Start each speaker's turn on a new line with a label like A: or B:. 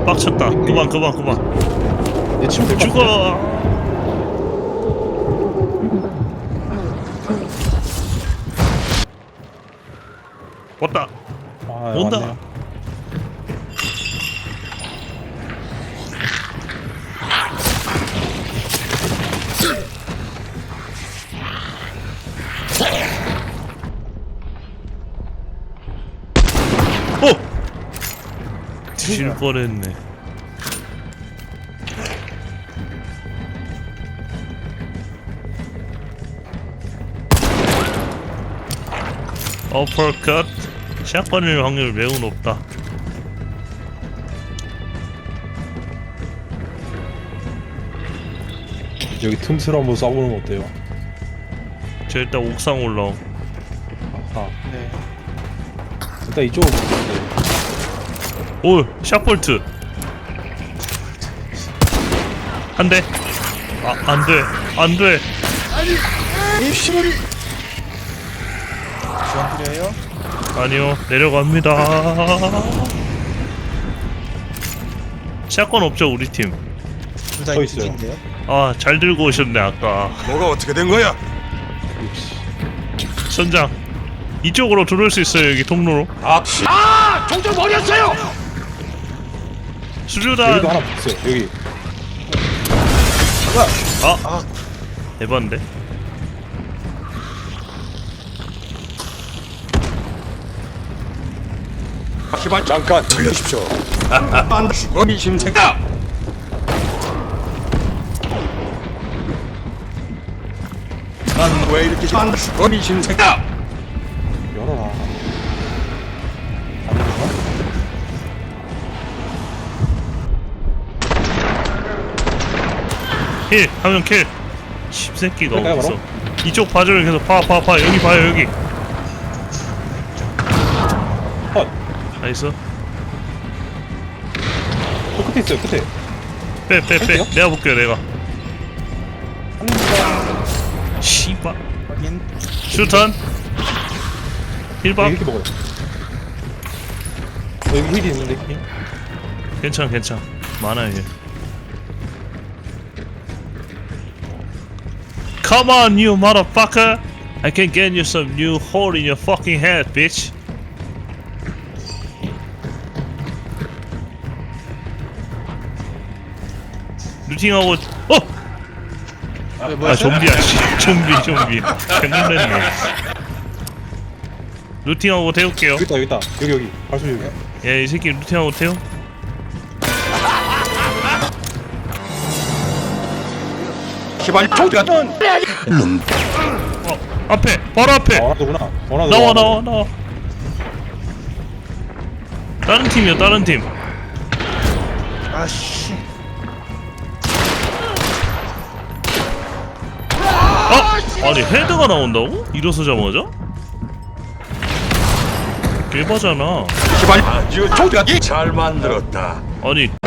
A: 빡쳤다. 그만.
B: 얘 치면 될것 같아.
A: 죽어. 왔다.
B: 아,
A: 온다.
B: 왔네요.
A: 뒤질 뻔했네. 어퍼컷. 샷건일 확률 매우 높다.
B: 여기 틈새로 한번 쏴보는 거 어때요?
A: 저 일단 옥상 올라옴.
B: 아하.
C: 네.
B: 일단 이쪽으로. 네.
A: 오, 샷볼트. 한 대. 아, 안 돼.
C: 이 시골이 지원 필요해요?
A: 아니요, 내려갑니다. 샷건 없죠, 우리 팀.
C: 둘다
B: 서 있어요.
C: 이쪽인데요?
A: 아, 잘 들고 오셨네, 아까.
D: 뭐가 어떻게 된 거야?
B: 역시.
A: 선장, 이쪽으로 들어올 수 있어요, 여기 통로로.
D: 총좀 버렸어요!
A: 수류탄.
B: 여기도 하나 있어요. 여기.
A: 에반데?
D: 제발 잠깐 들려주십시오. 안 죽어 미심생각. 난 왜 이렇게 안 죽어 미심생각?
B: 열어라. 안 되나?
A: 힐! 한 명 킬! 십새끼가
B: 그럴까요,
A: 어딨어?
B: 바로?
A: 이쪽 봐줘요, 계속 봐. 여기 봐요, 여기.
B: 헛.
A: 나이스.
B: 저 끝에 있어요. 끝에.
A: 빼.
B: 할게요?
A: 내가 볼게요, 내가.
B: 한 번.
A: 씨발.
C: 확인.
A: 슈탄. 힐박.
B: 이렇게 먹어요. 여기 힐이 있는데 힐.
A: 괜찮아. 많아요, 얘. Come on, you motherfucker! I can get you some new hole in your fucking head, bitch. 루팅하고 아 좀비야 좀비 개놀랬네. 루팅하고 태울게요.
B: 여기 있다. 여기. 발소 여기.
A: 예, 이 새끼 루팅하고 태워.
D: 제발 총전.
A: 앞에 바로 앞에
B: 원하더구나.
A: 나와. 다른 팀이야, 다른 팀.
C: 아씨.
A: 아니 헤드가 나온다고? 일어서자마자? 개바잖아.
D: 제발 아주 총전. 잘 만들었다.
A: 아니